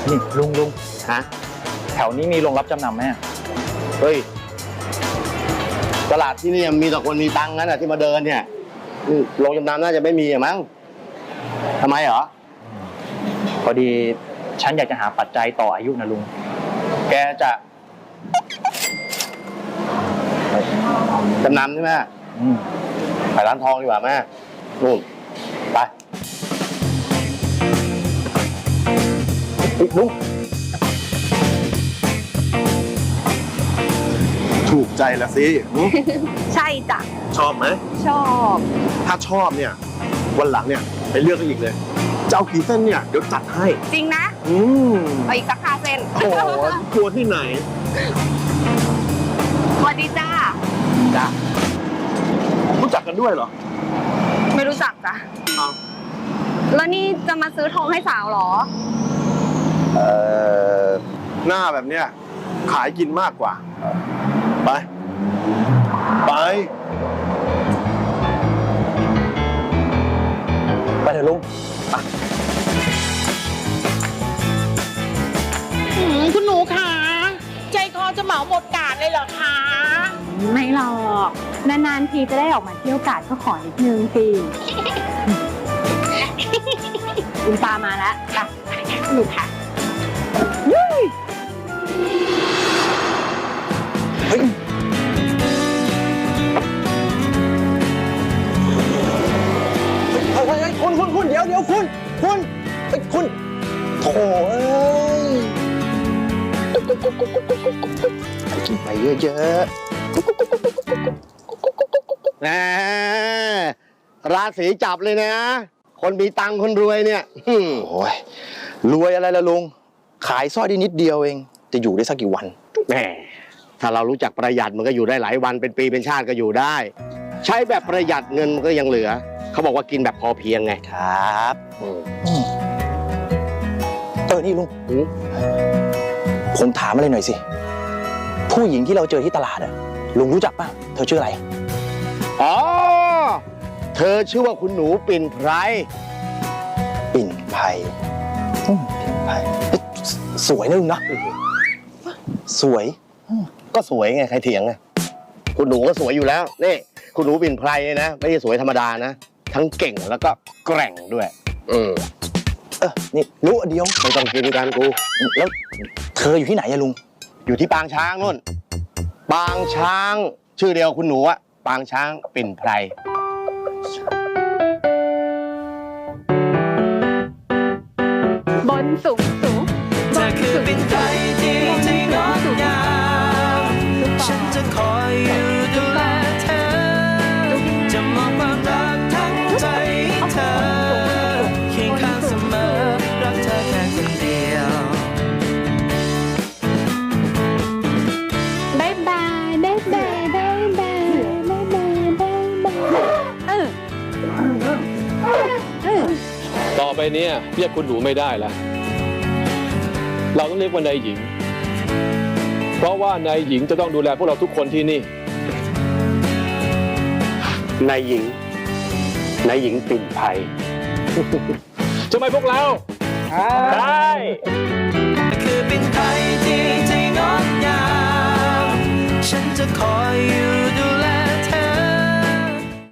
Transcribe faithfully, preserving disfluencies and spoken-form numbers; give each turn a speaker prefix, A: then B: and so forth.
A: นี่ลุงลุง
B: ฮะ
A: แถวนี้มีโรงรับจำนำไหม
B: เฮ้ยตลาดที่นี่มีแต่คนมีตังค์นั้นอะที่มาเดินเนี่ยโรงจำนำน่าจะไม่มีอะมั้งทำไมเหรอ
A: พอดีฉันอยากจะหาปัจจัยต่ออายุนะลุง
B: แกจะจำนำใช่ไหม
A: อืม
B: ไปร้านทองดีกว่าแม่นู่นไปลุง
C: ถูกใจละสิ
D: ใช่จ้ะ
C: ชอบไหม
D: ชอบ
C: ถ้าชอบเนี่ยวันหลังเนี่ยไปเลือกกันอีกเลยจะเอากี่เส้นเนี่ยเดี๋ยวจัดให้
D: จริงนะ
C: อืม
D: เอาอีกสักห้าเส้น
C: โอ้กลัวที่ไหน
D: สวัสดีจ้า
A: จ้า
C: รู้จักกันด้วยเหรอ
D: ไม่รู้จักจ้ะแล้วนี่จะมาซื้อทองให้สาวเหรอ
C: เอ่อหน้าแบบเนี้ยขายกินมากกว่าไปไป
A: ไปเถอะลุงไป
E: คุณหนูคะใจคอจะเหมาหมดกาดเลยเหรอคะ
F: ไม่หรอกนานๆทีจะได้ออกมาเที่ยวกาดก็ขอนิดนึงสิคุณปามาแล้วค่ะหนูค่ะยุ้ย
C: เฮ้ยเฮ้ยเฮ้ยคุณคุณคุณเดี๋ยวเดี๋ยวคุณคุณเฮ้ยคุณโถ่เอ้ยกินไปเยอะ
B: แหมราศีจับเลยนะคนมีตังค์คนรวยเนี่ย
A: โอ้ยรวยอะไรล่ะลุงขายสร้อยได้นิดเดียวเองจะอยู่ได้สักกี่วัน
B: แหมถ้าเรารู้จักประหยัดมันก็อยู่ได้หลายวันเป็นปีเป็นชาติก็อยู่ได้ใช้แบบประหยัดเงินมันก็ยังเหลือเขาบอกว่ากินแบบพอเพียงไง
A: ครับเออนี่ลุงผมถามอะไรหน่อยสิผู้หญิงที่เราเจอที่ตลาดอะลุงรู้จักป่ะเธอชื่ออะไร
B: อ๋อเธอชื่อว่าคุณหนูปิ่นไพร
A: ปิ่นไพรปิ่นไพรสวยนะลุงนะสวย
B: ก็สวยไงใครเถียงไงคุณหนูก็สวยอยู่แล้วนี่คุณหนูปิ่นไพรเนี่ยนะไม่ใช่สวยธรรมดานะทั้งเก่งแล้วก็แกร่งด้วยเออ
A: เออนี่รู้อันเดียว
B: ไม่ต้องกินกันกู
A: แล้วเธออยู่ที่ไหนอะลุง
B: อยู่ที่ปางช้างนู่นปางช้างชื่อเดียวคุณหนูอะปางช้างปิ่นไพร
F: บนสูงสูง
G: เธอคือปิ่นไพรที่ใจงดงามฉันจะคอยอยู่ดูแลเธอจะมอบความรักทั้งใจให้เธอเคียงข้างเสมอรักเธอแค่คนเดียว
F: บายบายบายบายบายบายบายบายบายบายเออ
H: ต่อไปนี้เรียกคุณหนูไม่ได้แล้วเราต้องเรียกว่านายหญิงเพราะว่านายหญิงจะต้องดูแลพวกเราทุกคนที่นี่
B: นายหญิงนายหญิงปิ่นไพร
H: ใช่ไหมพวกเรา
A: ใช่
G: คือปิ่นไพรที่ใจงดงามฉันจะคอยอยู่